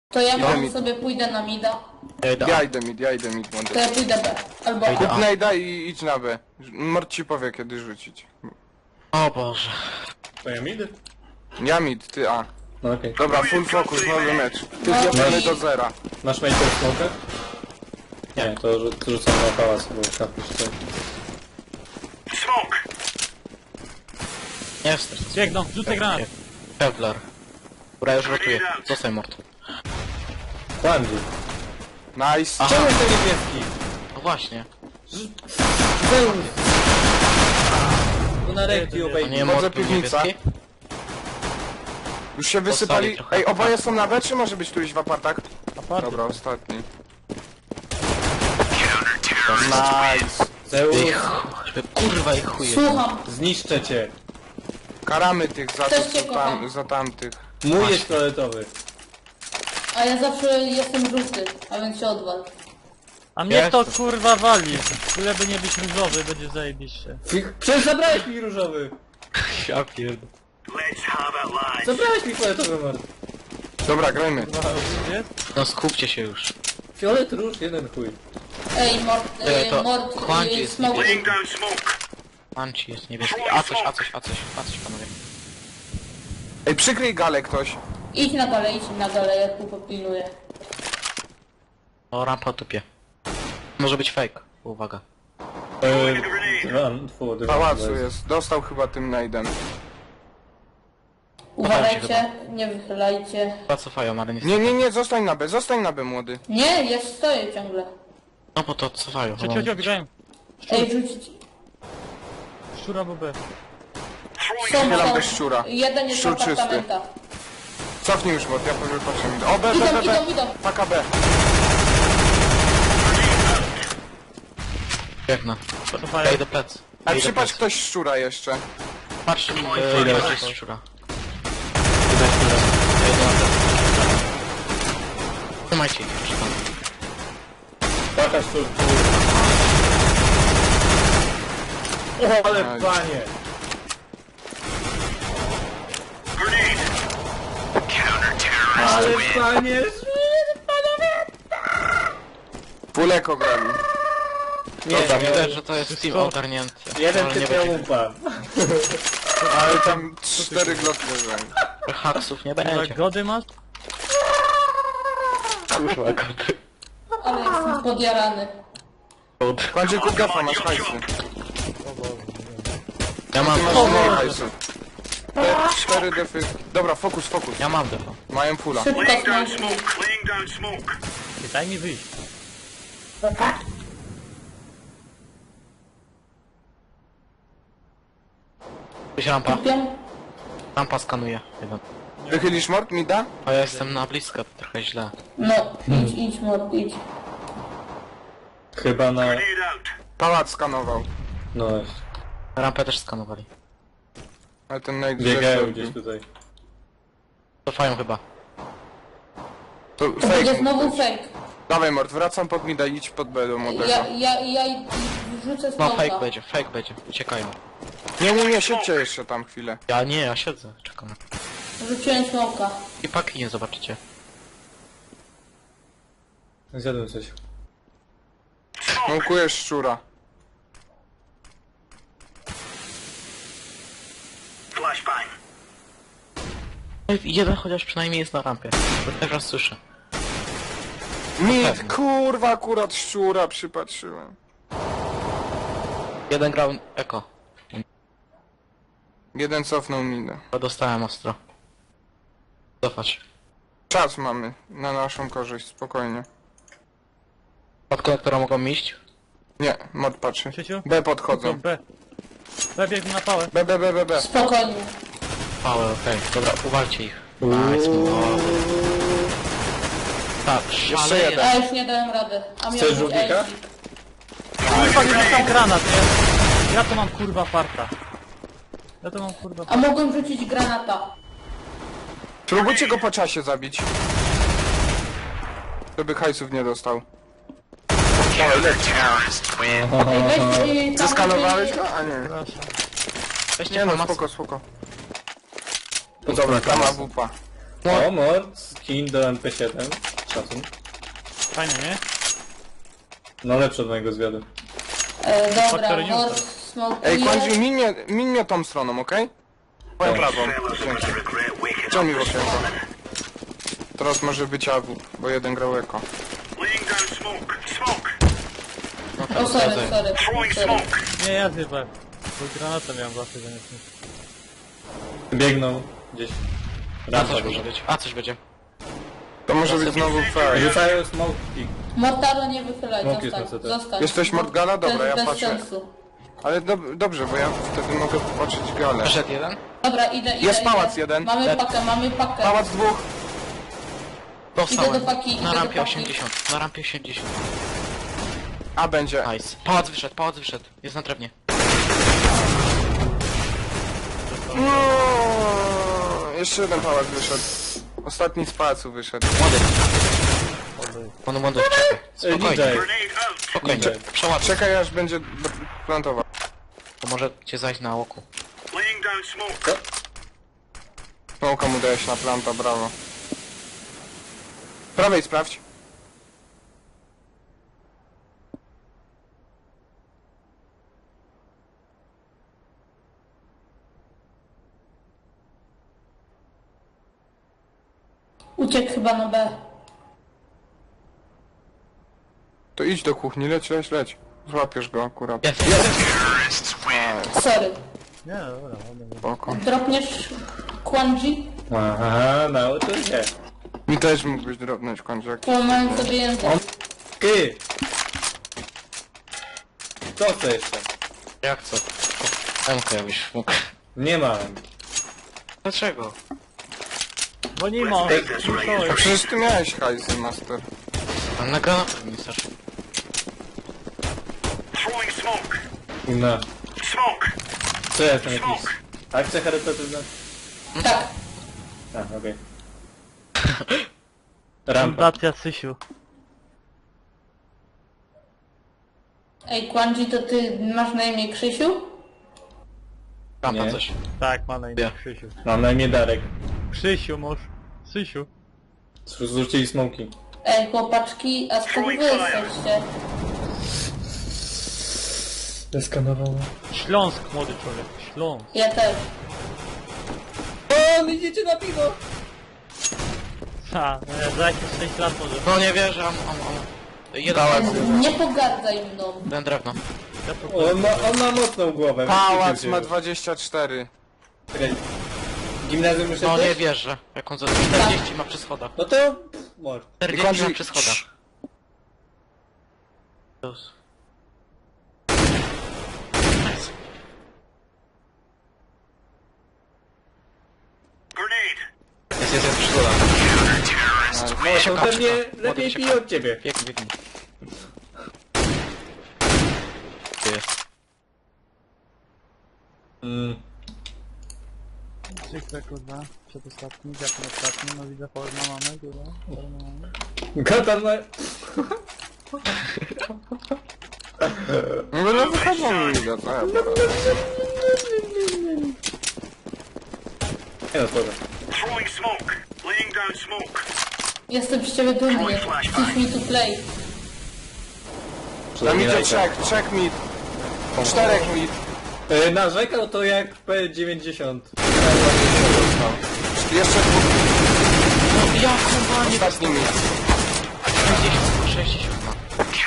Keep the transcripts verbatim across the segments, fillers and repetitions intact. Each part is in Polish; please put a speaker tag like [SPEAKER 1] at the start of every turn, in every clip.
[SPEAKER 1] To ja
[SPEAKER 2] Idę
[SPEAKER 1] może
[SPEAKER 2] mid.
[SPEAKER 1] sobie pójdę na mida.
[SPEAKER 3] Ja idę
[SPEAKER 2] Ja
[SPEAKER 3] A.
[SPEAKER 2] idę mid, ja idę mid,
[SPEAKER 1] To
[SPEAKER 2] młody.
[SPEAKER 1] ja pójdę B. Albo
[SPEAKER 3] Idę
[SPEAKER 1] A.
[SPEAKER 3] A.
[SPEAKER 2] Najda i idź na B. Mord ci powie kiedy rzucić.
[SPEAKER 3] O Boże.
[SPEAKER 4] To ja mid?
[SPEAKER 2] Ja mid, ty A.
[SPEAKER 4] No okej.
[SPEAKER 2] Dobra, full focus, nowy mecz. Ty
[SPEAKER 1] No
[SPEAKER 2] zjadamy
[SPEAKER 1] i-
[SPEAKER 2] do zera.
[SPEAKER 4] Masz majkę w smokę? Nie, to rzu- rzucam na pałac, bo kapisz tutaj.
[SPEAKER 3] Nie wstecz.
[SPEAKER 5] Biegną, rzucę granat.
[SPEAKER 3] Kevlar. Dobra, już ratuję. Zostań mord.
[SPEAKER 4] Kłamdzi.
[SPEAKER 2] Nice.
[SPEAKER 3] Aha.
[SPEAKER 4] Czemu jest ten niebieski?
[SPEAKER 3] No właśnie.
[SPEAKER 4] Zeus! No na rekti
[SPEAKER 3] To
[SPEAKER 4] obejmij.
[SPEAKER 3] nie
[SPEAKER 2] Wchodzę
[SPEAKER 3] mord był
[SPEAKER 2] piwnica.
[SPEAKER 3] niebieski?
[SPEAKER 2] Już się wysypali.
[SPEAKER 3] Postali trochę.
[SPEAKER 2] Ej, oboje są na B, czy może być któryś w apartach?
[SPEAKER 5] Aparty.
[SPEAKER 2] Dobra, ostatni. Nice.
[SPEAKER 4] Zeus!
[SPEAKER 3] Ej, ch- żeby kurwa ich chuje.
[SPEAKER 1] Słucham.
[SPEAKER 4] Zniszczę cię!
[SPEAKER 2] Karamy tych za,
[SPEAKER 1] Też
[SPEAKER 2] to,
[SPEAKER 1] cię
[SPEAKER 2] co
[SPEAKER 1] kocham.
[SPEAKER 2] tam, za tamtych.
[SPEAKER 4] Mój jest fioletowy.
[SPEAKER 1] A ja zawsze jestem żółty, a więc się odwal.
[SPEAKER 5] A mnie
[SPEAKER 3] Ja
[SPEAKER 5] to
[SPEAKER 3] jestem.
[SPEAKER 5] kurwa wali. Tyle by nie być różowy, będzie zajebiście.
[SPEAKER 4] Fi- Przecież zabrałeś mi różowy!
[SPEAKER 3] Ja pierdolę.
[SPEAKER 4] Zabrałeś mi fioletowy mord.
[SPEAKER 2] Dobra, grajmy.
[SPEAKER 5] Kurwa, gdzie?
[SPEAKER 3] No skupcie się już.
[SPEAKER 4] Fiolet róż, jeden chuj.
[SPEAKER 1] Ej, mord,
[SPEAKER 3] Ej, to
[SPEAKER 1] ej, mord,
[SPEAKER 3] Kłanci
[SPEAKER 1] ej,
[SPEAKER 3] jest
[SPEAKER 1] smoke.
[SPEAKER 3] niebieski. Manci jest niebieski. A coś, a coś, a coś, a coś panowie.
[SPEAKER 2] Ej, przykryj galę ktoś.
[SPEAKER 1] Idź na galę, idź na galę, ja tu popilnuję.
[SPEAKER 3] O, rampa tupie. Może być fake. Uwaga.
[SPEAKER 4] Eee, run, forward,
[SPEAKER 2] W pałacu jest. Dostał chyba tym najdem.
[SPEAKER 1] Uważajcie, nie wychylajcie.
[SPEAKER 3] Chyba cofają, ale nie
[SPEAKER 2] Nie, nie, nie, zostań na B, zostań na B, młody.
[SPEAKER 1] Nie, ja stoję ciągle.
[SPEAKER 3] No bo to cofają.
[SPEAKER 5] Cio, cio, cio, biegają.
[SPEAKER 1] Ej, rzucić.
[SPEAKER 5] Szczura bo B.
[SPEAKER 1] Są,
[SPEAKER 2] Strzelam
[SPEAKER 1] są.
[SPEAKER 2] bez szczura.
[SPEAKER 1] Jeden jest w
[SPEAKER 2] Szczur czysty.
[SPEAKER 1] apartamentach.
[SPEAKER 2] Cofnij już, bo ja powiem patrzę. O, B, B,
[SPEAKER 1] Idą,
[SPEAKER 2] B, B.
[SPEAKER 1] idą, idą.
[SPEAKER 2] Paka B.
[SPEAKER 3] Biegnę.
[SPEAKER 5] Cofają.
[SPEAKER 3] Ja idę plec.
[SPEAKER 2] A
[SPEAKER 3] Ja idę
[SPEAKER 2] przypatrz
[SPEAKER 3] plec.
[SPEAKER 2] ktoś szczura jeszcze.
[SPEAKER 3] Patrz,
[SPEAKER 4] Idę.
[SPEAKER 3] e, ile jest szczura. Idę szczura. Ja idę na plec. Trzymajcie ich, proszę pana.
[SPEAKER 4] Paka szczur, O, ale
[SPEAKER 2] Aj.
[SPEAKER 4] panie! Ale panie!
[SPEAKER 2] Puleko grali.
[SPEAKER 4] Nie,
[SPEAKER 3] Dobra,
[SPEAKER 4] nie,
[SPEAKER 3] widać, że to jest team
[SPEAKER 5] Wszystko-
[SPEAKER 3] ogarnięty.
[SPEAKER 4] jeden
[SPEAKER 3] Ale
[SPEAKER 4] typ
[SPEAKER 3] nie
[SPEAKER 4] miał
[SPEAKER 3] będzie.
[SPEAKER 4] umpa.
[SPEAKER 2] Ale tam cztery glotki leżają.
[SPEAKER 3] Haksów nie
[SPEAKER 5] Kurwa,
[SPEAKER 3] będzie.
[SPEAKER 5] gody masz?
[SPEAKER 3] Kurwa, kody.
[SPEAKER 1] Ale jestem podjarany.
[SPEAKER 2] Kończy kup gafa, masz hajsy.
[SPEAKER 3] Ja mam
[SPEAKER 2] Ty masz
[SPEAKER 3] defo.
[SPEAKER 2] mniej hajsu. Te cztery defy. Dobra, fokus, fokus.
[SPEAKER 3] Ja mam defo.
[SPEAKER 2] Mają fula.
[SPEAKER 1] Szybko smoke.
[SPEAKER 5] Ty, daj mi wyjść.
[SPEAKER 3] Gdzieś rampa.
[SPEAKER 1] Kupię.
[SPEAKER 3] Rampa skanuje. Jeden.
[SPEAKER 2] Wychylisz mord, mi da?
[SPEAKER 3] A ja jestem na blisko, trochę źle.
[SPEAKER 1] No, idź, idź, mord, idź.
[SPEAKER 4] Chyba na...
[SPEAKER 2] Pałac skanował.
[SPEAKER 4] No,
[SPEAKER 3] Rampę też skanowali.
[SPEAKER 2] Ale ten najd
[SPEAKER 4] biegają
[SPEAKER 2] zrobił.
[SPEAKER 4] gdzieś tutaj.
[SPEAKER 3] Cofają chyba.
[SPEAKER 2] To
[SPEAKER 1] To będzie
[SPEAKER 2] fake.
[SPEAKER 1] znowu fake.
[SPEAKER 2] Dawaj mord, wracam pod mida, idź pod B do młodego.
[SPEAKER 1] Ja, ja, ja i- wrzucę
[SPEAKER 3] No
[SPEAKER 1] smoka.
[SPEAKER 3] fake będzie, fake będzie. Uciekają.
[SPEAKER 2] Nie, nie, nie, siedźcie jeszcze tam chwilę.
[SPEAKER 3] Ja nie, ja siedzę, czekam.
[SPEAKER 1] Rzuciłem smoka.
[SPEAKER 3] I paki nie zobaczycie.
[SPEAKER 4] Zjadłem coś.
[SPEAKER 2] Mąkujesz szczura.
[SPEAKER 3] Ej, jeden chociaż przynajmniej jest na rampie. Bo teraz słyszę.
[SPEAKER 2] Mid, kurwa, akurat szczura przypatrzyłem.
[SPEAKER 3] Jeden grał eko.
[SPEAKER 2] Jeden cofnął minę.
[SPEAKER 3] Bo dostałem ostro. Cofać.
[SPEAKER 2] Czas mamy na naszą korzyść, spokojnie.
[SPEAKER 3] Od konektora mogą iść?
[SPEAKER 2] Nie, mod patrzy.
[SPEAKER 5] Sieciu?
[SPEAKER 2] B podchodzą.
[SPEAKER 5] B. B biegnie na pałę.
[SPEAKER 2] B, B, B, B, B.
[SPEAKER 1] Spokojnie.
[SPEAKER 3] Pałę, okej. Dobra, uwalcie ich. Nice, wow. Tak,
[SPEAKER 2] Jeszcze
[SPEAKER 3] szaleje.
[SPEAKER 2] jeden.
[SPEAKER 1] A już nie dałem rady. A miał
[SPEAKER 4] Chcesz
[SPEAKER 1] być
[SPEAKER 4] żółwika?
[SPEAKER 1] Elzik.
[SPEAKER 5] Kurwa, nie dostał granat, nie? Ja to mam kurwa farta. Ja to mam kurwa
[SPEAKER 1] A mogłem rzucić granata.
[SPEAKER 2] Spróbujcie go po czasie zabić. Żeby hajsów nie dostał. Dawaj, leć.
[SPEAKER 1] Ej, weź, yy, tam
[SPEAKER 2] Zeskanowałeś
[SPEAKER 1] będzie-
[SPEAKER 2] go? A nie.
[SPEAKER 3] Weźcie
[SPEAKER 2] Nie no,
[SPEAKER 3] informację.
[SPEAKER 2] spoko, spoko. No dobra, tam ma wupa.
[SPEAKER 4] O, mord, skin do M P siedem. Szacun.
[SPEAKER 5] Fajnie, nie?
[SPEAKER 4] No lepszy od mojego zwiadu.
[SPEAKER 1] E, dobra,
[SPEAKER 5] Faktory
[SPEAKER 1] Horse
[SPEAKER 5] news.
[SPEAKER 1] smokuje.
[SPEAKER 2] Ej, Kwanzi, min mnie, min mnie tą stroną, okej? Moją prawą. Dzięki. Co mi w okienko? Teraz może być A W, bo jeden grał eko.
[SPEAKER 1] O, sorry, sorry. sorry.
[SPEAKER 5] Nie, ja chyba. Bo granatę miałem właśnie zamiast nic.
[SPEAKER 4] Biegną gdzieś.
[SPEAKER 3] A
[SPEAKER 4] Rampa
[SPEAKER 3] coś
[SPEAKER 4] duża.
[SPEAKER 3] może być. A coś będzie.
[SPEAKER 2] To może być znowu fake.
[SPEAKER 4] Rzucają smoki.
[SPEAKER 1] Mortaro nie wychylaj,
[SPEAKER 4] Smok jest
[SPEAKER 1] zostań,
[SPEAKER 4] na C T.
[SPEAKER 1] zostań.
[SPEAKER 2] Jesteś Morgana?
[SPEAKER 1] To
[SPEAKER 2] Dobra,
[SPEAKER 1] jest
[SPEAKER 2] ja
[SPEAKER 1] bez
[SPEAKER 2] patrzę.
[SPEAKER 1] sensu.
[SPEAKER 2] Ale dob dobrze, bo ja wtedy mogę patrzeć galę.
[SPEAKER 3] Przeszedł jeden.
[SPEAKER 1] Dobra, idę, idę,
[SPEAKER 2] Jest
[SPEAKER 1] idę.
[SPEAKER 2] pałac jeden.
[SPEAKER 1] Mamy pakę, mamy pakę.
[SPEAKER 2] Pałac dwóch.
[SPEAKER 3] Dostałem.
[SPEAKER 1] Idę do paki, idę
[SPEAKER 3] Na
[SPEAKER 1] do
[SPEAKER 3] rampie
[SPEAKER 1] paki.
[SPEAKER 3] osiemdziesiąt. Na rampie osiemdziesiąt.
[SPEAKER 2] A będzie.
[SPEAKER 3] Nice. Pałac wyszedł, pałac wyszedł. Jest na drewnie.
[SPEAKER 2] No, jeszcze jeden pałac wyszedł. Ostatni z pałacu wyszedł.
[SPEAKER 3] Młody. Młody, młody, czekaj. Spokojnie.
[SPEAKER 4] D J.
[SPEAKER 3] Spokojnie.
[SPEAKER 4] D J.
[SPEAKER 3] Przeładuj.
[SPEAKER 2] Czekaj aż będzie do- plantował.
[SPEAKER 3] To może cię zajść na oku.
[SPEAKER 2] Smoka mu dałeś na planta, brawo. Prawej sprawdź.
[SPEAKER 1] Uciekł chyba na B.
[SPEAKER 2] To idź do kuchni, leć, leć, leć. Złapiesz go akurat.
[SPEAKER 3] Jest.
[SPEAKER 1] Sorry.
[SPEAKER 5] Nie, dobra, dobra.
[SPEAKER 2] Spoko.
[SPEAKER 1] Dropniesz Kwanji?
[SPEAKER 4] Aha, nauczył się.
[SPEAKER 2] Mi też mógłbyś drobnąć kończek.
[SPEAKER 1] Połamałem sobie język.
[SPEAKER 4] Ty! Co to jeszcze?
[SPEAKER 3] Jak co? Emkę jakbyś mógł.
[SPEAKER 4] Nie mam.
[SPEAKER 3] Dlaczego?
[SPEAKER 5] Bo nie ma.
[SPEAKER 2] A przecież ty miałeś hajsy, master.
[SPEAKER 3] Ale na granatach mi starczy.
[SPEAKER 4] No. Co ja jestem jakiś... Akcja charytatywna?
[SPEAKER 1] Tak.
[SPEAKER 4] A, okej. Rampa.
[SPEAKER 5] Fundacja Sysiu.
[SPEAKER 1] Ej, Kwanji, to ty masz na imię Krzysiu?
[SPEAKER 3] Rampa
[SPEAKER 4] Nie.
[SPEAKER 3] coś.
[SPEAKER 5] Tak, ma na imię
[SPEAKER 3] Ja.
[SPEAKER 5] Krzysiu.
[SPEAKER 4] Mam na imię Darek.
[SPEAKER 5] Krzysiu, mąż. Sysiu.
[SPEAKER 4] Zrzucili smoki.
[SPEAKER 1] Ej, chłopaczki, a skąd wy jesteście?
[SPEAKER 4] Zeskanowało.
[SPEAKER 5] Śląsk, młody człowiek. Śląsk.
[SPEAKER 1] Ja też.
[SPEAKER 4] O, idziecie na piwo!
[SPEAKER 5] Ha, no, za jakieś sześć lat może.
[SPEAKER 3] No nie wierzę, am, am, am. Jeden,
[SPEAKER 2] Pałac.
[SPEAKER 1] Nie pogardzaj mną.
[SPEAKER 3] jeden drewno.
[SPEAKER 5] Ja to
[SPEAKER 4] On ma, on ma mocną głowę.
[SPEAKER 2] Pałac
[SPEAKER 4] Wiecie,
[SPEAKER 2] ma
[SPEAKER 4] gdzie-
[SPEAKER 2] dwadzieścia cztery.
[SPEAKER 4] Czekaj. Gimnazjum już
[SPEAKER 3] No nie
[SPEAKER 4] jesteś?
[SPEAKER 3] wierzę. Jak on za czterdzieści ma przy schodach.
[SPEAKER 4] No to... pff, Może.
[SPEAKER 3] czterdzieści ma przy schodach. Jezus. Nice. Jest, jest, jest przy schodach.
[SPEAKER 4] No to pewnie lepiej
[SPEAKER 3] się
[SPEAKER 4] pije od ciebie.
[SPEAKER 3] Biegnie, biegnie. Tu jest.
[SPEAKER 4] Mm.
[SPEAKER 5] Przykre, kurwa. Przedostatni, dziakiem ostatni. No widzę, forma mamy, kurwa. Forma mamy.
[SPEAKER 4] Katan ma...
[SPEAKER 2] No no wychodzą mi da, co ja poradzę.
[SPEAKER 4] Nie no, spoko.
[SPEAKER 1] Jestem z ciebie dumny. Teach me to play.
[SPEAKER 2] Tam idzie trzech, trzech mid. Czterech mid.
[SPEAKER 4] E, Narzekał to jak P dziewięćdziesiąt.
[SPEAKER 2] Jeszcze dwóch.
[SPEAKER 3] No jak on nie
[SPEAKER 2] Ostatni mid.
[SPEAKER 3] sześćdziesiąt, sześćdziesiąt ma.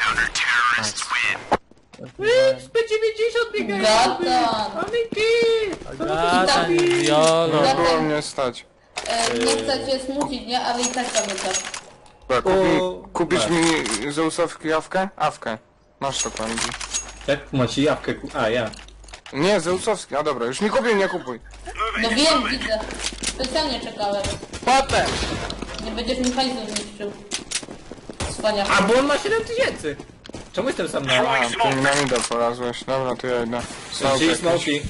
[SPEAKER 3] Nice.
[SPEAKER 4] P dziewięćdziesiąt biegają!
[SPEAKER 1] Gatan.
[SPEAKER 5] Agata, Jolo.
[SPEAKER 2] No było mnie stać.
[SPEAKER 1] E, nie chcę cię smucić, nie? Ale i tak zamykam.
[SPEAKER 2] Dobra, kupi,
[SPEAKER 4] O,
[SPEAKER 2] kupisz
[SPEAKER 4] tak.
[SPEAKER 2] mi Zeusowski awkę? Awkę. Masz to Kwanzi.
[SPEAKER 4] Jak macie jawkę ku... A, ja.
[SPEAKER 2] Nie, Zeusowski, a dobra, już mi kupił, nie kupuj.
[SPEAKER 1] No wiem, widzę. Specjalnie czekałem.
[SPEAKER 2] Potem!
[SPEAKER 1] Nie będziesz mi hajsu zniszczył. Wspaniale.
[SPEAKER 4] A, bo on ma siedem tysięcy! Czemu jestem sam na...
[SPEAKER 2] A, ty mi na mida polazłeś. Dobra, to ja idę.
[SPEAKER 4] Czyli
[SPEAKER 2] Smoke
[SPEAKER 4] smoki.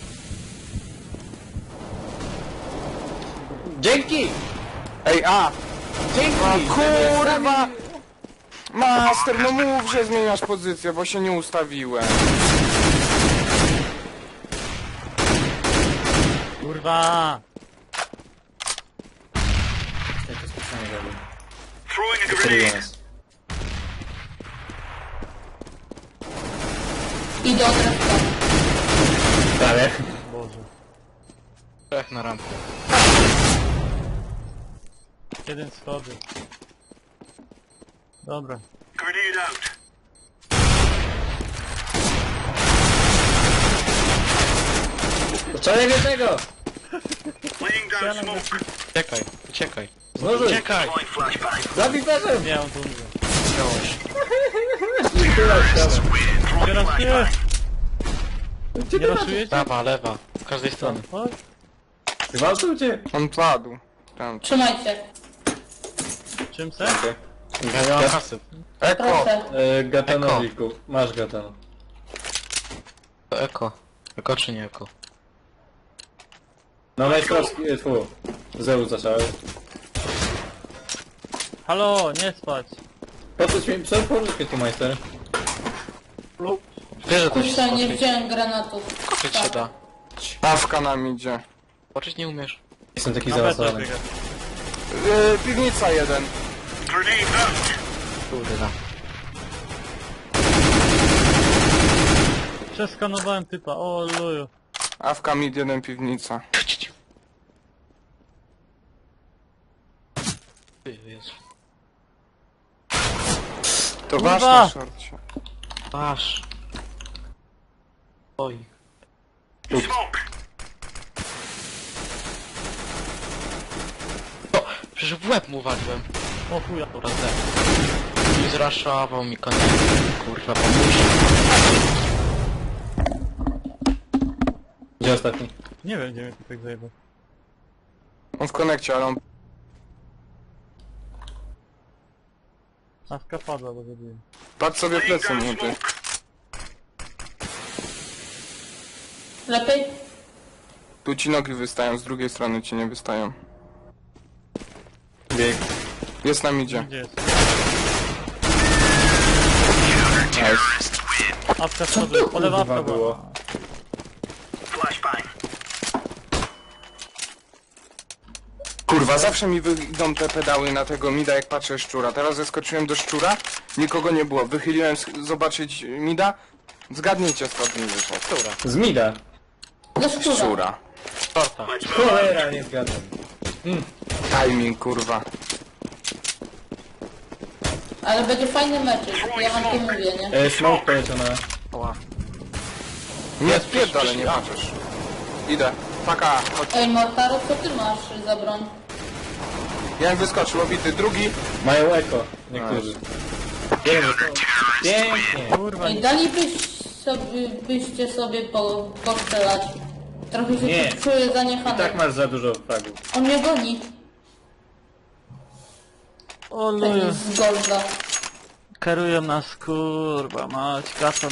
[SPEAKER 4] Dzięki!
[SPEAKER 2] Ej, a!
[SPEAKER 4] Dzięki!
[SPEAKER 2] A kurwa! Master, no mów, że zmieniasz pozycję, bo się nie ustawiłem.
[SPEAKER 5] Kurwa.
[SPEAKER 4] Ja to specjalnie zrobię.
[SPEAKER 6] Throwing a
[SPEAKER 4] Celuję
[SPEAKER 6] grenade.
[SPEAKER 4] nas.
[SPEAKER 1] I do drewka.
[SPEAKER 4] Prawie.
[SPEAKER 5] Boże.
[SPEAKER 3] Trzech na rampie.
[SPEAKER 5] Jeden schody. Dobra.
[SPEAKER 6] Grenade out.
[SPEAKER 4] Co nie wie tego?
[SPEAKER 6] Laying down smoke.
[SPEAKER 3] Uciekaj, uciekaj.
[SPEAKER 4] Znowu.
[SPEAKER 3] Uciekaj!
[SPEAKER 6] Deploying flashbang.
[SPEAKER 4] Zabij perzem!
[SPEAKER 5] Nie, on tu umrze.
[SPEAKER 4] Teraz, teraz.
[SPEAKER 5] Teraz nie!
[SPEAKER 4] Gdzie
[SPEAKER 5] Nie
[SPEAKER 4] ty
[SPEAKER 5] raszujecie?
[SPEAKER 3] Prawa, lewa. Z każdej strony.
[SPEAKER 5] Chodź.
[SPEAKER 4] Gwałtujcie!
[SPEAKER 2] On padł. Tam.
[SPEAKER 1] Trzymajcie.
[SPEAKER 5] Czym se?
[SPEAKER 4] Okej.
[SPEAKER 3] Ja nie mam kasy.
[SPEAKER 2] Eko!
[SPEAKER 1] Proszę.
[SPEAKER 4] E, Gatanowiku. Masz gatan.
[SPEAKER 3] To eko. Eko czy nie eko?
[SPEAKER 4] No majstrowski, e, fu. Zeus zaczął.
[SPEAKER 5] Halo, nie spać.
[SPEAKER 4] Po co ci mi co pożyczkę tu majster?
[SPEAKER 3] Wiesz, że to się
[SPEAKER 1] Kurczę, nie
[SPEAKER 3] skoczyć.
[SPEAKER 1] wziąłem granatów.
[SPEAKER 3] Skoczyć się da.
[SPEAKER 2] Awka nam idzie.
[SPEAKER 3] Skoczyć nie umiesz.
[SPEAKER 4] Jestem taki
[SPEAKER 5] Na B
[SPEAKER 4] zaawansowany.
[SPEAKER 5] biega.
[SPEAKER 2] Yy, piwnica jeden.
[SPEAKER 6] Grenade out.
[SPEAKER 3] Kurde da.
[SPEAKER 5] Przeskanowałem typa, o luju.
[SPEAKER 2] Awka mid jeden piwnica.
[SPEAKER 3] Ty, Jezu.
[SPEAKER 2] To
[SPEAKER 5] Kurwa!
[SPEAKER 2] wasz na szorcie.
[SPEAKER 3] Masz. Oj.
[SPEAKER 6] Smoke.
[SPEAKER 3] O, przecież w łeb mu waliłem.
[SPEAKER 5] O chuja.
[SPEAKER 3] Dobra, zdech. I zraszował mi koniec. Kurwa, pomóż.
[SPEAKER 4] Gdzie ostatni?
[SPEAKER 5] Nie wiem, gdzie mnie tu tak zajebał.
[SPEAKER 2] On w konekcie, ale on...
[SPEAKER 5] Awka padła, bo zabiłem.
[SPEAKER 2] Patrz sobie
[SPEAKER 6] Laying
[SPEAKER 2] plecy
[SPEAKER 6] down
[SPEAKER 2] młody.
[SPEAKER 6] smoke.
[SPEAKER 1] Lepiej?
[SPEAKER 2] Tu ci nogi wystają, z drugiej strony ci nie wystają.
[SPEAKER 4] Bieg.
[SPEAKER 2] Jest nam idzie.
[SPEAKER 5] Gdzie jest?
[SPEAKER 2] Nice.
[SPEAKER 5] Awka schodu, po lewa
[SPEAKER 4] kurwa
[SPEAKER 5] awka
[SPEAKER 4] było?
[SPEAKER 5] była.
[SPEAKER 6] Flashbang.
[SPEAKER 2] Kurwa, zawsze mi wyjdą te pedały na tego mida, jak patrzę szczura. Teraz zeskoczyłem do szczura, nikogo nie było. Wychyliłem sk- zobaczyć mida. Zgadnijcie, skąd mi wyszedł.
[SPEAKER 3] Która?
[SPEAKER 4] Z mida.
[SPEAKER 1] Do szczura.
[SPEAKER 2] Szczura.
[SPEAKER 3] Torta.
[SPEAKER 6] Let's move.
[SPEAKER 4] Cholera, nie zgadzam.
[SPEAKER 2] Timing, kurwa.
[SPEAKER 1] Ale będzie fajny meczek, ja wam to mówię, nie?
[SPEAKER 4] E, smoke poleciał na...
[SPEAKER 3] Oła.
[SPEAKER 2] Nie, pierdolę, nie patrzysz. Idę. Paka, chodź.
[SPEAKER 1] Ej, Mortaro, co ty masz za broń?
[SPEAKER 2] Jeden wyskoczył, obity, drugi.
[SPEAKER 4] Mają eko. Niektórzy. Jeden został. Pięknie.
[SPEAKER 5] Kurwa,
[SPEAKER 1] Ej, dalibyś sobie, byście sobie po, postrzelać. Trochę się
[SPEAKER 4] Nie.
[SPEAKER 1] tu czuję
[SPEAKER 4] I
[SPEAKER 1] zaniechany.
[SPEAKER 4] tak masz za dużo fragów.
[SPEAKER 1] On mnie goni.
[SPEAKER 5] o
[SPEAKER 1] Ten
[SPEAKER 5] luju.
[SPEAKER 1] z golda.
[SPEAKER 5] Kierują nas, kurwa, mać, gatan.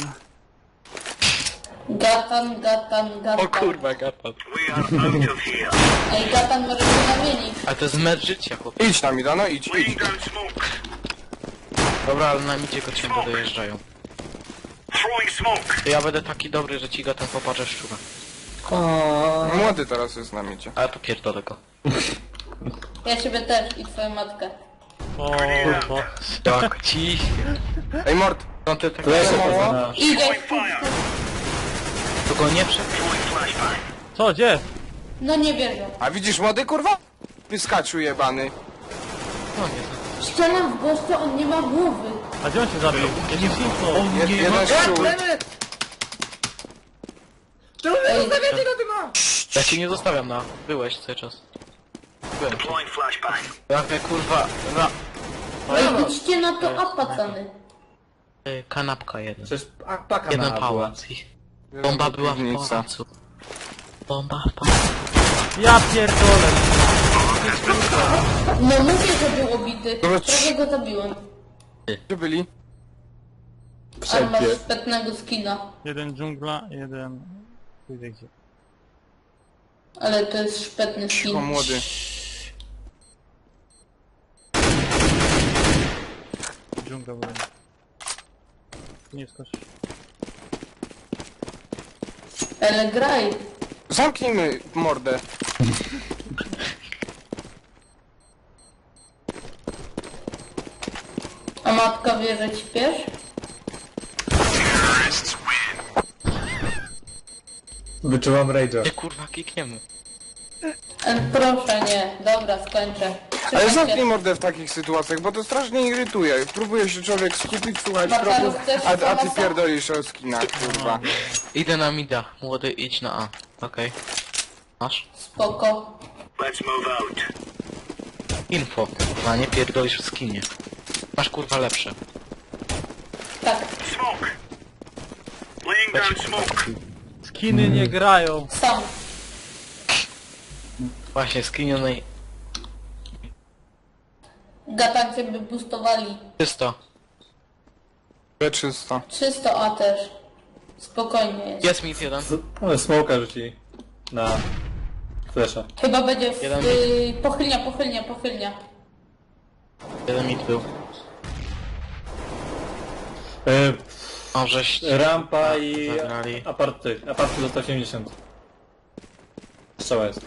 [SPEAKER 1] Gatan, gatan, gatan.
[SPEAKER 3] O kurwa, gatan.
[SPEAKER 6] We are out of here.
[SPEAKER 1] Ej, gatan może się zamienić.
[SPEAKER 3] Ale to jest mecz życia, chłopie.
[SPEAKER 2] Idź tam, Ida, no idź, idź.
[SPEAKER 6] Laying down smoke.
[SPEAKER 3] Dobra, ale na midzie go ciągle dojeżdżają.
[SPEAKER 6] Throwing smoke.
[SPEAKER 3] To ja będę taki dobry, że ci go ten popatrzę szczura.
[SPEAKER 2] Młody teraz jest na midzie.
[SPEAKER 3] Ale to pierdolę go.
[SPEAKER 1] Ja ciebie też i twoją matkę.
[SPEAKER 5] O kurwa.
[SPEAKER 3] Jak ci...
[SPEAKER 2] Ej, Mord,
[SPEAKER 3] No ty tak...
[SPEAKER 4] Leszę
[SPEAKER 2] mało?
[SPEAKER 4] poza nasz.
[SPEAKER 1] Idę.
[SPEAKER 6] Throwing fire.
[SPEAKER 3] To go nie przed...
[SPEAKER 6] Throwing flashbang.
[SPEAKER 5] Co, gdzie?
[SPEAKER 1] No nie wierzę.
[SPEAKER 2] a widzisz młody, kurwa? Wyskaczył jebany.
[SPEAKER 3] No nie znam.
[SPEAKER 1] Strzelam w gościa, on nie ma głowy.
[SPEAKER 5] A gdzie on się zabił? Ja nie info.
[SPEAKER 2] Jest jeden szczur.
[SPEAKER 1] Ej,
[SPEAKER 3] Ja cię nie zostawiam na... Byłeś cały czas. Byłem.
[SPEAKER 6] Deploying flashbang.
[SPEAKER 3] Jak kurwa... Na...
[SPEAKER 1] ej, idźcie na to apacany.
[SPEAKER 3] y, Kanapka jedna.
[SPEAKER 4] Przecież a, paka
[SPEAKER 3] Jeden
[SPEAKER 4] mała była.
[SPEAKER 3] pałac. i- Bomba była w
[SPEAKER 2] Piwnica.
[SPEAKER 3] pałacu. Bomba w pałacu.
[SPEAKER 5] Ja pierdolę.
[SPEAKER 1] No mówię, że był obity.
[SPEAKER 2] Dobra,
[SPEAKER 1] Prawie go zabiłem.
[SPEAKER 2] Gdzie byli?
[SPEAKER 1] Ale masz
[SPEAKER 4] Wszędzie.
[SPEAKER 1] szpetnego skina.
[SPEAKER 5] Jeden dżungla, jeden... Pójdę gdzie.
[SPEAKER 1] Ale to jest szpetny
[SPEAKER 2] Cicho,
[SPEAKER 1] skin.
[SPEAKER 2] młody.
[SPEAKER 5] Dżungla byłem. Nie skoczysz.
[SPEAKER 1] Ale graj.
[SPEAKER 2] Zamknijmy mordę.
[SPEAKER 1] A matka wie, że śpiesz?
[SPEAKER 4] Wyczułam rage'a.
[SPEAKER 3] Nie kurwa, kikniemy.
[SPEAKER 1] E, proszę, nie. Dobra, skończę.
[SPEAKER 2] Ale
[SPEAKER 1] Trzymaj
[SPEAKER 2] zamknij
[SPEAKER 1] się.
[SPEAKER 2] mordę w takich sytuacjach, bo to strasznie irytuje. Próbuje się człowiek skupić, słuchać
[SPEAKER 1] Bakarów
[SPEAKER 2] kroków,
[SPEAKER 1] też
[SPEAKER 2] a, a ty
[SPEAKER 1] pomasa?
[SPEAKER 2] pierdolisz o skinach, kurwa.
[SPEAKER 3] Idę na mida. Młody, idź na A. Okej. Masz?
[SPEAKER 1] Spoko.
[SPEAKER 6] Let's move out.
[SPEAKER 3] Info, kurwa, nie pierdolisz w skinie. Masz kurwa lepsze.
[SPEAKER 1] Tak.
[SPEAKER 6] Smoke. Laying
[SPEAKER 3] Weź
[SPEAKER 6] down
[SPEAKER 3] kurwa.
[SPEAKER 6] smoke.
[SPEAKER 5] Skiny nie grają.
[SPEAKER 1] Sam.
[SPEAKER 3] Właśnie, skinionej.
[SPEAKER 1] Gatak, żeby boostowali.
[SPEAKER 3] Czysto.
[SPEAKER 2] Czysto.
[SPEAKER 1] trzysta A też. Spokojnie jest.
[SPEAKER 3] Jest mit jeden.
[SPEAKER 4] Ale smoka rzucili. Na... Flesza.
[SPEAKER 1] Chyba będzie w...
[SPEAKER 3] Jeden
[SPEAKER 1] Y, pochylnia, pochylnia, pochylnia.
[SPEAKER 3] Jeden mit był.
[SPEAKER 4] E,
[SPEAKER 3] O, żeś...
[SPEAKER 4] rampa i...
[SPEAKER 3] Zagrali.
[SPEAKER 4] Aparty. Aparty do sto osiemdziesiąt. Strzała jest.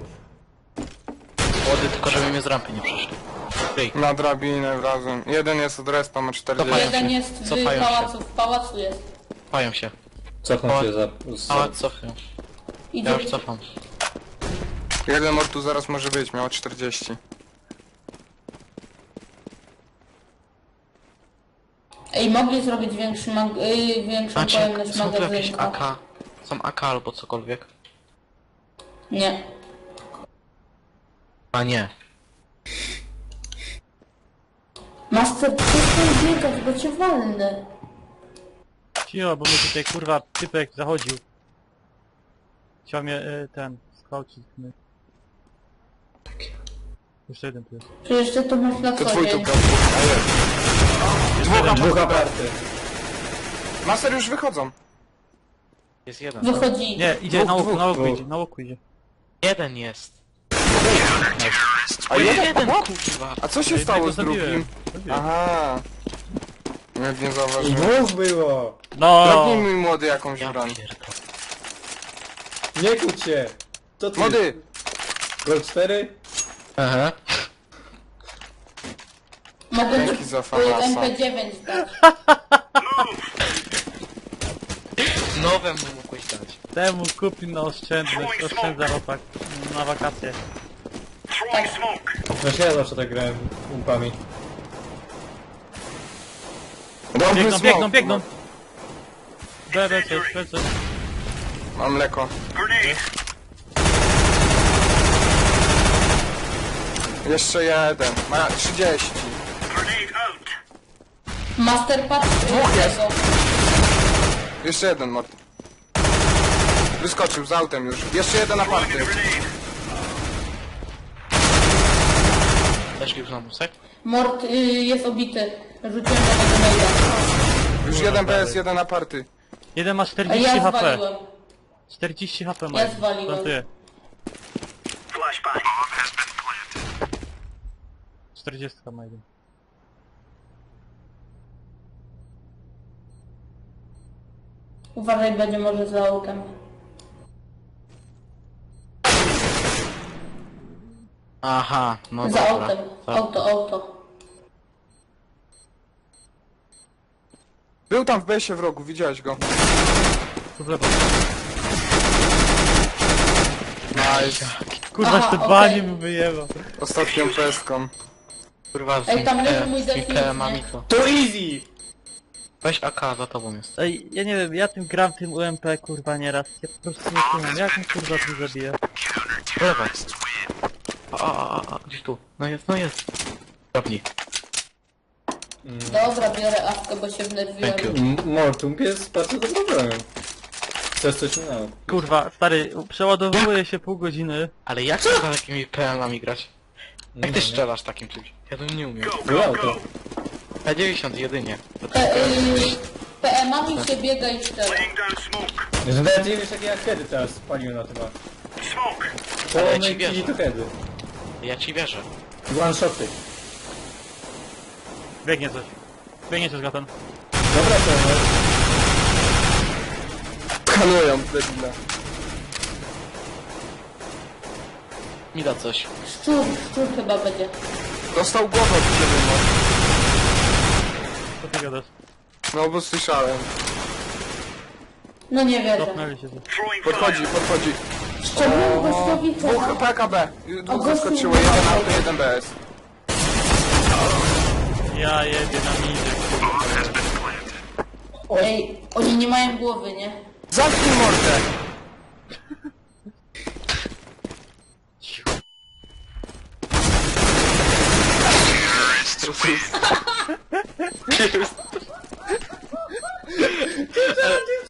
[SPEAKER 3] Młody, tylko żeby mnie z rampy nie przeszli. Ej,
[SPEAKER 2] Na drabinę razem. Jeden jest od respa, ma czterdzieści.
[SPEAKER 3] Cofają
[SPEAKER 1] Jeden
[SPEAKER 3] się.
[SPEAKER 1] jest w
[SPEAKER 3] Cofają się.
[SPEAKER 1] pałacu, w pałacu jest.
[SPEAKER 3] cofają się.
[SPEAKER 4] Cofnął się za... z-
[SPEAKER 3] A, cofam.
[SPEAKER 1] Idzie.
[SPEAKER 3] Ja już cofam.
[SPEAKER 2] Jeden mord tu zaraz może być, miał czterdzieści.
[SPEAKER 1] Ej, mogli zrobić większy mag... y, większą
[SPEAKER 3] Macie,
[SPEAKER 1] pojemność
[SPEAKER 3] są tu jakieś A
[SPEAKER 1] magazynka.
[SPEAKER 3] K? Są A K albo cokolwiek?
[SPEAKER 1] Nie.
[SPEAKER 3] A nie.
[SPEAKER 1] Master, przestań biegać, bo cię walnę.
[SPEAKER 5] Cicho, bo mnie tutaj kurwa typek zachodził. Chciał mnie y, ten skaucić. Jeszcze jeden tu jest.
[SPEAKER 1] Przecież ty to masz na
[SPEAKER 2] To
[SPEAKER 1] co
[SPEAKER 2] twój tu
[SPEAKER 1] dzień.
[SPEAKER 2] problem. A jest. Dwóch
[SPEAKER 4] Dwóch
[SPEAKER 2] aparty.
[SPEAKER 4] aparty.
[SPEAKER 2] Master już wychodzą.
[SPEAKER 3] Jest jeden.
[SPEAKER 1] Wychodzi.
[SPEAKER 5] Nie, idzie
[SPEAKER 2] Dwóch,
[SPEAKER 5] na łoku,
[SPEAKER 2] dwóch,
[SPEAKER 5] na łoku
[SPEAKER 4] dwóch.
[SPEAKER 5] idzie, na łoku idzie.
[SPEAKER 3] Jeden jest.
[SPEAKER 2] A
[SPEAKER 3] O,
[SPEAKER 2] jeden?
[SPEAKER 3] jeden,
[SPEAKER 2] What?
[SPEAKER 3] kurwa.
[SPEAKER 2] A co się
[SPEAKER 5] Ja
[SPEAKER 2] stało
[SPEAKER 5] jednego
[SPEAKER 2] z drugim?
[SPEAKER 5] zabiłem. Zabiłem.
[SPEAKER 2] Aha. Nawet nie zauważyłem.
[SPEAKER 4] Dwóch było!
[SPEAKER 5] No!
[SPEAKER 2] Drobnij mój młody jakąś
[SPEAKER 3] Ja
[SPEAKER 2] broń.
[SPEAKER 3] pierdolę.
[SPEAKER 4] Nie kłóć się! To ty?
[SPEAKER 2] Młody!
[SPEAKER 4] Gol cztery?
[SPEAKER 3] Aha.
[SPEAKER 1] Mogę
[SPEAKER 2] Dzięki
[SPEAKER 1] ci
[SPEAKER 2] za
[SPEAKER 1] y,
[SPEAKER 2] famasa.
[SPEAKER 1] M P dziewięć dać.
[SPEAKER 3] Nowe mu mogłeś dać.
[SPEAKER 5] Temu kupi na oszczędność, oszczędza chłopak na wakacje.
[SPEAKER 6] Throwing smoke.
[SPEAKER 4] Właśnie ja zawsze tak grałem umpami.
[SPEAKER 2] Dobry
[SPEAKER 5] Biegną,
[SPEAKER 2] smoke.
[SPEAKER 5] biegną, biegną! B, B, coś, B, coś.
[SPEAKER 2] Mam mleko.
[SPEAKER 6] Grenade.
[SPEAKER 2] Jeszcze jeden. Ma trzydzieści.
[SPEAKER 6] Grenade out.
[SPEAKER 1] Master patrz
[SPEAKER 2] Dwóch jest.
[SPEAKER 1] tego.
[SPEAKER 2] Jeszcze jeden mord. Wyskoczył z autem już. Jeszcze jeden aparty.
[SPEAKER 6] Grenade.
[SPEAKER 3] Weszli już na musek?
[SPEAKER 1] Mord y, jest obity. Rzuciłem do tego maila.
[SPEAKER 2] Już jeden P S, jeden aparty.
[SPEAKER 5] Jeden ma
[SPEAKER 1] A
[SPEAKER 5] czterdzieści
[SPEAKER 1] ja
[SPEAKER 5] HP.
[SPEAKER 1] zwaliłem.
[SPEAKER 5] czterdzieści HP ma.
[SPEAKER 1] Ja zwaliłem.
[SPEAKER 5] Plantuję.
[SPEAKER 6] Flashbang.
[SPEAKER 5] czterdzieści ma jeden.
[SPEAKER 1] Uważaj, będzie może za autem.
[SPEAKER 3] Aha, no
[SPEAKER 1] Za
[SPEAKER 3] dobra.
[SPEAKER 1] autem.
[SPEAKER 3] Tak.
[SPEAKER 1] Auto, auto.
[SPEAKER 2] Był tam w B S ie w rogu, widziałeś go.
[SPEAKER 5] Tu w lewo.
[SPEAKER 2] Nice.
[SPEAKER 5] Kurwa,
[SPEAKER 1] Aha,
[SPEAKER 5] jeszcze
[SPEAKER 1] okej.
[SPEAKER 5] dwa nie mi wyjebał.
[SPEAKER 2] Ostatnią peską.
[SPEAKER 3] Kurwa, z
[SPEAKER 1] Ej, tam leży
[SPEAKER 3] Ike-
[SPEAKER 1] mój
[SPEAKER 3] z
[SPEAKER 1] definic,
[SPEAKER 3] Ike mam
[SPEAKER 1] nie?
[SPEAKER 3] i to.
[SPEAKER 4] To easy!
[SPEAKER 3] Weź A K, za tobą jest.
[SPEAKER 5] Ej, ja nie wiem, ja tym gram tym U M P kurwa nieraz. Ja po prostu nie kumam, jak mi kurwa tu zabija?
[SPEAKER 3] Po lewej. A, a, a, a, gdzieś tu. No jest, no jest. Drobni.
[SPEAKER 1] Dobra, biorę awkę, bo się wnerwiłem.
[SPEAKER 3] Thank you.
[SPEAKER 4] M- Mortum jest bardzo dobrym problemem. Chcesz coś innego?
[SPEAKER 5] Kurwa, stary, przeładowuje się pół godziny.
[SPEAKER 3] Ale jak trzeba takimi P M-ami grać? Jak
[SPEAKER 4] Nie
[SPEAKER 3] ty
[SPEAKER 4] wiem.
[SPEAKER 3] strzelasz takim czymś? Ja to nie umiem.
[SPEAKER 6] Go,
[SPEAKER 4] Było
[SPEAKER 6] go,
[SPEAKER 4] auto.
[SPEAKER 6] go.
[SPEAKER 3] P dziewięćdziesiąt jedynie.
[SPEAKER 1] P, y, P M-ami się biega i strzela.
[SPEAKER 6] Laying down smoke.
[SPEAKER 4] Że nawet nie wiesz jakie ja kiedy teraz spaliłem na tym.
[SPEAKER 6] Smoke.
[SPEAKER 3] Ale ja
[SPEAKER 4] Połomy
[SPEAKER 3] ci wierzę.
[SPEAKER 4] i to kiedy.
[SPEAKER 3] Ja ci wierzę.
[SPEAKER 4] One shoty.
[SPEAKER 5] Biegnie coś. Biegnie coś, Gatan.
[SPEAKER 4] Dobra, to no.
[SPEAKER 2] Skanują, debile.
[SPEAKER 3] Mi da coś.
[SPEAKER 1] Szczur, szczur chyba będzie.
[SPEAKER 2] Dostał głowę od ciebie, no.
[SPEAKER 5] gadasz?
[SPEAKER 2] No bo słyszałem.
[SPEAKER 1] No nie wierzę.
[SPEAKER 5] Cofnęli się.
[SPEAKER 6] Throwing
[SPEAKER 2] Podchodzi,
[SPEAKER 6] fire.
[SPEAKER 2] podchodzi.
[SPEAKER 1] Szczególnie gościowi
[SPEAKER 2] Dwóch
[SPEAKER 1] co?
[SPEAKER 2] P K B. Dwóch
[SPEAKER 1] gościu
[SPEAKER 2] zaskoczyło,
[SPEAKER 1] nie
[SPEAKER 2] jeden
[SPEAKER 1] ma.
[SPEAKER 2] auto, jeden B S.
[SPEAKER 5] Ja jedę na midzie.
[SPEAKER 1] Ej, oni nie mają głowy, nie?
[SPEAKER 2] Zamknij mordę!
[SPEAKER 3] Jest.